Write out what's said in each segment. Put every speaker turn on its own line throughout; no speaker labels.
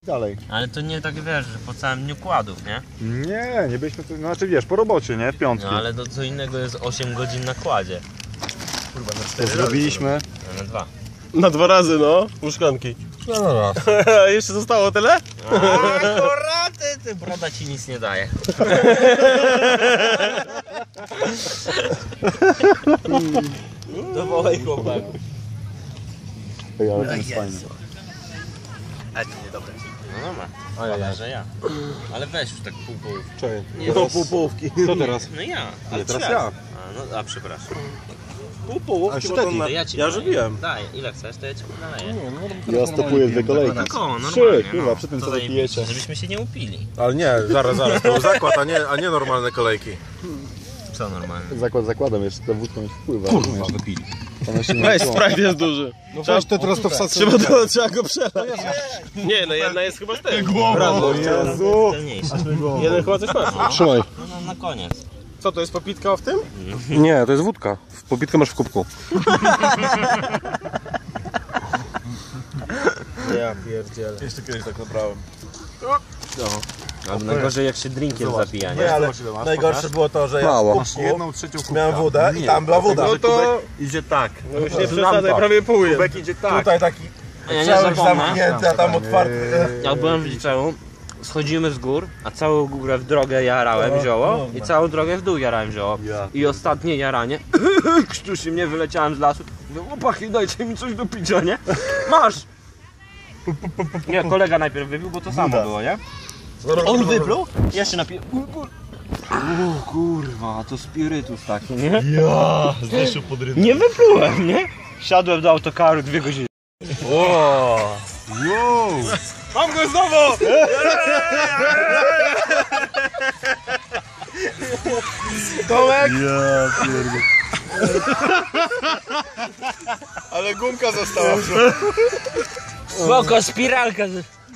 dalej.
Ale to nie tak wiesz, że po całym dniu kładów, nie?
Nie byliśmy tu, znaczy wiesz, po robocie, nie? W piątki.
No ale to co innego jest 8 godzin na kładzie.
Kurwa, na 4 zrobiliśmy.
A na 2.
Na 2 razy, no. Łóżkanki.
No.
Jeszcze zostało tyle?
Akurat ty broda ci nic nie daje. Dawaj chłopaku.
Ej, ale to jest fajne.
Ale to niedobre. No dobra, że ja. Ale weź już tak pół połów.
Czekaj.
Nie,
No, pół połówki.
Co teraz?
No ja.
Nie, teraz ja.
A przepraszam.
Pół połówki,
A
bo to
szteki,
na...
To ja ci
Ja
naleję.
żywiłem.
Daj, ile chcesz, to ja ci naleję.
Ja stopuję 2 kolejki.
Tak o, normalnie.
3, kurwa,
no.
przy tym
To
co wy
zajebiście,
pijecie.
żebyśmy się nie upili.
Ale nie, zaraz, to był zakład, a nie normalne kolejki.
Co normalne?
Zakładam, jeszcze ta wódka mi wpływa. Kurwa, wypili.
Weź, Sprite jest duży.
No weź to teraz to wsadzę.
Trzeba go przelać. Nie, no jedna jest chyba z tego.
O Jezu!
Celniejsze.
Jeden chyba coś masz.
Trzymaj.
No na koniec.
Co, to jest popitka w tym?
Nie, to jest wódka. Popitkę masz w kubku.
Ja pierdzielę. Jeszcze kiedyś tak nabrałem.
Albo najgorzej jak się drinkiem zabija, nie?
Nie, ale najgorsze było to, że ja
Mało.
w kubku miałem wodę i tam była woda.
No to
idzie tak.
no już nie przesadzaj, prawie pół jest. Kubek idzie tak.
Tutaj taki
Ja nie
cały
zapomnę.
zamknięty, a tam otwarty.
Jak byłem w liceum, schodzimy z gór, a całą górę w drogę jarałem zioło i całą drogę w dół jarałem zioło. I ostatnie jaranie, krztusi mnie, wyleciałem z lasu. Mówię, chłopaki, dajcie mi coś do picia, nie? Masz! Nie, kolega najpierw wypił, bo to samo było, nie? On wypluł, ja się napiję. O kurwa, to spirytus taki, nie?
Ja, zniszczył podrywę.
Nie wyplułem, nie? Siadłem do autokaru 2 godziny. O!
Wow!
Mam go znowu! Tomek!
Ja pierdolę.
Ale gumka została.
Spoko, spiralka.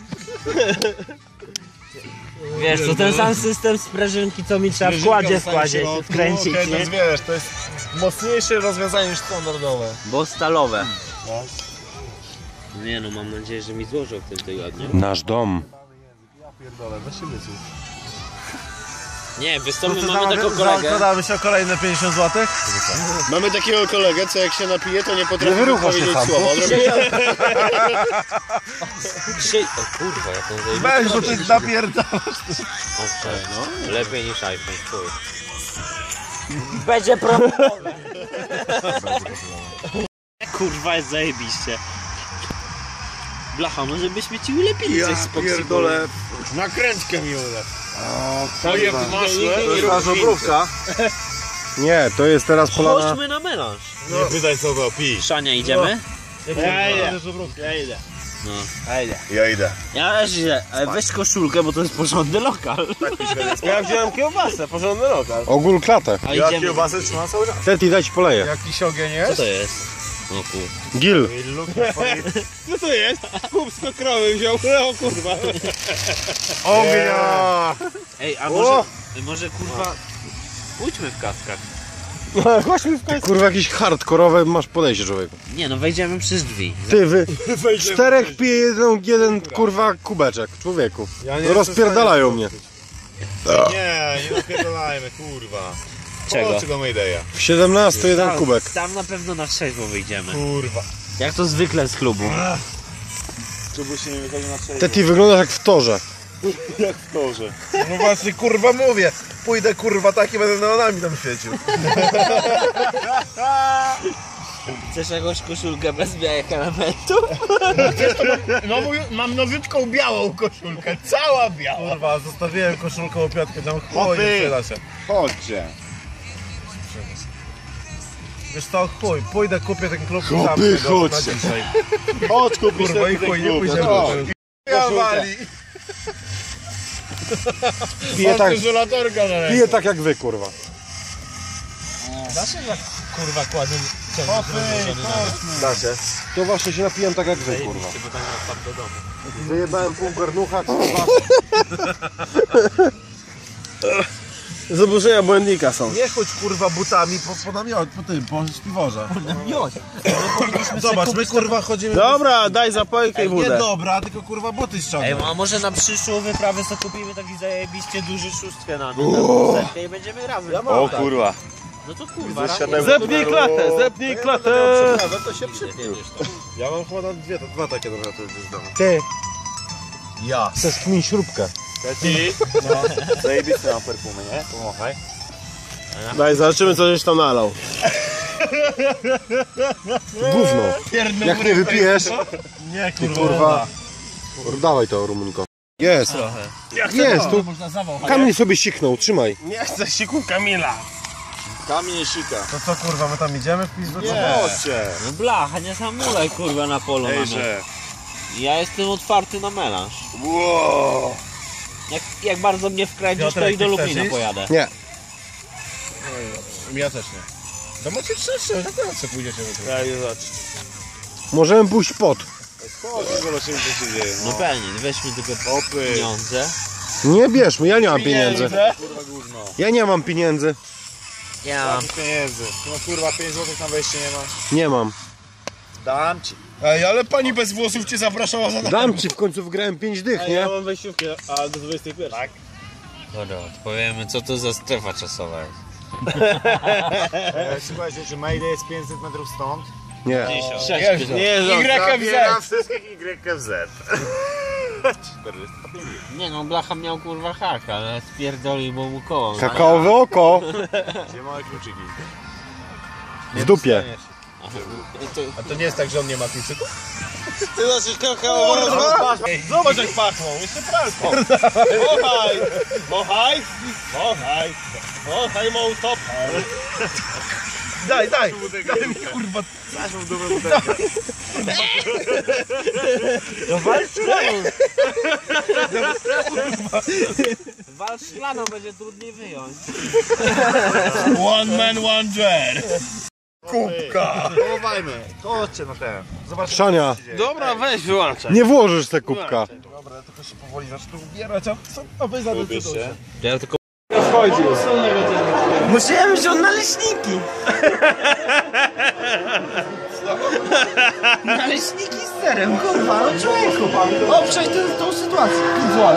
Wiesz, to ten sam system sprężynki, co mi trzeba w kładzie wkręcić,
Okay,
nie?
wiesz, to jest mocniejsze rozwiązanie niż standardowe.
Bo stalowe. Nie no, mam nadzieję, że mi złożą w tym tygodniu.
Nasz dom.
Ja pierdolę, weź się wysłuch.
Nie, wystąpimy, mamy taką kolegę.
Zakładamy się o kolejne 50 zł? Mamy takiego kolegę, co jak się napije, to nie potrafi powiedzieć słowa.
Dzisiaj... O kurwa, jak on zajmie.
Weź, bo ty napierdalasz.
Owszem, no. Lepiej niż iPhone, chuj. Będzie promowane. Kurwa, jest zajebiście. Blacha, może byśmy ci ulepili coś z
pierdolę, nakrętkę mi ulew.
To jest
nasza obrówka.
Nie, to jest teraz polana.
Chodźmy na melanż.
Nie pytaj co to, pij.
Szania, idziemy?
Ja idę.
No.
Ja idę.
Ja też idę, ale weź koszulkę, bo to jest porządny lokal.
Ja wziąłem kiełbasę, porządny lokal.
Ogól klatę.
A
Ja
idziemy.
kiełbasę trzymam cały czas.
Teti, daj ci poleję.
Jakiś ogień
Co
jest?
to jest? O kur...
Gil.
Co to jest? Chłopsko krowy wziął, o kurwa. Ognia!
Ej, a może kurwa... Pójdźmy w kaskach.
Chodźmy w końcu.
Kurwa, jakieś hardkorowe masz podejście, człowieku.
Nie no, wejdziemy przez drzwi.
Ty, wy 4 pije jeden kurwa kubeczek, człowieku.
Ja nie
Rozpierdalają mnie.
Nie napierdolajmy, kurwa.
Czego?
O, czego Maydeya?
W 17 jeden kubek.
Tam na pewno na trzeźwo wyjdziemy.
Kurwa.
Jak to zwykle z klubu.
Żeby się nie wychodził na trzeźwo.
Teti, wyglądasz jak w torze.
Jak w torze. No właśnie, kurwa mówię. Pójdę kurwa tak i będę neonami tam świecił.
Chcesz jakąś koszulkę bez białych elementu?
No mam nowiutką białą koszulkę, cała biała. Kurwa, zostawiłem koszulkę o piątkę, tam chuj, nie przyda się.
Chodźcie.
Wiesz co, chuj, pójdę kupię ten klub
Chłopy,
sam tego na
chodźcie.
dzisiaj.
Chodź, kupisz
Kurwa i chuj, nie pójdziemy. Ja wali.
Pije tak jak wy, kurwa.
Da się jak kurwa kładę
Da się. To właśnie się napijam tak jak wy, kurwa. Wyjebałem pół garnucha, kurwa.
Zaburzenia błędnika są.
Nie chodź kurwa butami po namiot, po śpiworze. Zobacz, my kurwa chodzimy...
Dobra, daj zapojkę i
Nie
wódę.
dobra, tylko kurwa buty ściągnę.
A może na przyszłą wyprawę sobie kupimy taki zajebiście duży szóstkę na setkę i będziemy razem.
O kurwa.
No to kurwa,
Zepnij klatę, zepnij klatę.
To się przypnił. Ja mam chyba dwa takie dobra, to już dam.
Ty,
Ja.
zeskmin śrubkę.
Zajebisty na perfumy, nie? Pomachaj.
Daj, zobaczymy co żeś tam nalał.
Gówno. Jak nie wypijesz,
Nie
kurwa. Dawaj to, Rumunko. Jest. Jest, tu Kamil sobie siknął, trzymaj.
Nie chcę siku Kamila.
Kamień sika. To co kurwa, my tam idziemy w pizdu? Nie.
No blacha, nie zamulaj kurwa na polu mamy. Ja jestem otwarty na melanż.
Wow.
Jak bardzo mnie wkręcisz, to
Piotrek,
i do
ty
Lublina
chcesz iść?
pojadę.
Nie.
Ja też nie. To macie trzecie, na końcu pójdziecie do tego. Ja zobaczyć.
Możemy pójść pod.
Chodź, zobaczymy co się dzieje.
No pewnie, weźmy tylko pieniądze.
Nie bierzmy, ja nie mam pieniędzy.
Kurwa gówno.
Ja nie mam pieniędzy.
Ja mam.
Pieniędzy. No kurwa 5 zł na wejście nie masz.
Nie mam.
Dam ci. Ej, ale pani bez włosów cię zapraszała za
Dam ci, w końcu wygrałem 5 dych, nie?
mam wejściówkę, a do 21. Tak.
Dobra, odpowiemy co to za strefa czasowa jest.
Słuchajcie, czy Mayday jest 500 metrów stąd?
Nie.
Nie,
Zabieram wszystkich YFZ.
Nie no, blacha miał kurwa haka, ale spierdolił, bo mu koło.
Kakaowe oko
Gdzie małe kluczyki?
w dupie.
A to nie jest tak, że on nie ma kluczyków?
Ty zaczniesz kakao. Zobacz jak pachną, jeszcze pralką. Mochaj, mochaj, mochaj, mochaj, mołtop.
Daj, daj! Daj mi kurwa! Zaszł w dupę butelkę.
No wal szklaną! Wal szklaną, będzie trudniej wyjąć.
One man, one jar! Kubka! Połowajmy! Chodźcie na ten. Zobaczcie.
Szania,
Dobra, weź wyłączaj.
nie włożysz te kubka.
Dobra, tylko się powoli zacznę ubierać, a wy zadecydujcie.
Ja tylko...
Musiałem wziąć naleśniki. Naleśniki z serem, kurwa, no człowieku. Obczaj tą sytuację. 5 zł.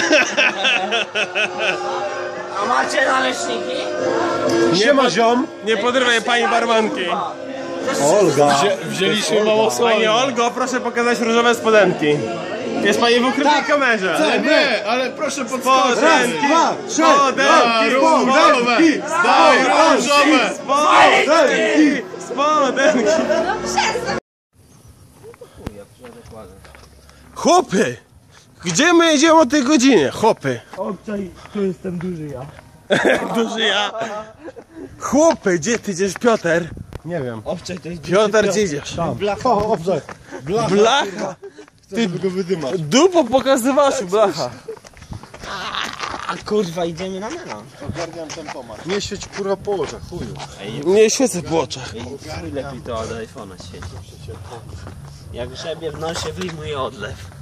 A macie naleśniki?
Nie ma ziom.
Nie podrywaj pani barmanki.
Olga.
Wzięliśmy mało słoni.
Pani Olgo, proszę pokazać różowe spodenki. Jest pani w ukrytej kamerze.
Nie, ale proszę podskoczyć.
Spodenki,
Daj różowe! Daj różowe!
spodenki, spodenki. Chłopy! Gdzie my jedziemy o tej godzinie? Chłopy!
Obczaj, tu jestem duży ja.
Duży ja. Chłopy, gdzie ty idziesz, Piotr?
Nie wiem.
Obczaj, to jest
Piotr, gdzie idziesz?
O, dobrze.
Blacha!
Ty go wydymasz.
Dupo pokazywasz, blacha.
A kurwa, idziemy na melanż.
Nie świeć kurwa po oczach, chuju.
Nie świecę po oczach.
Lepiej to od iPhone'a świeci. Jak grzebie w nosie, wyjmuje odlew.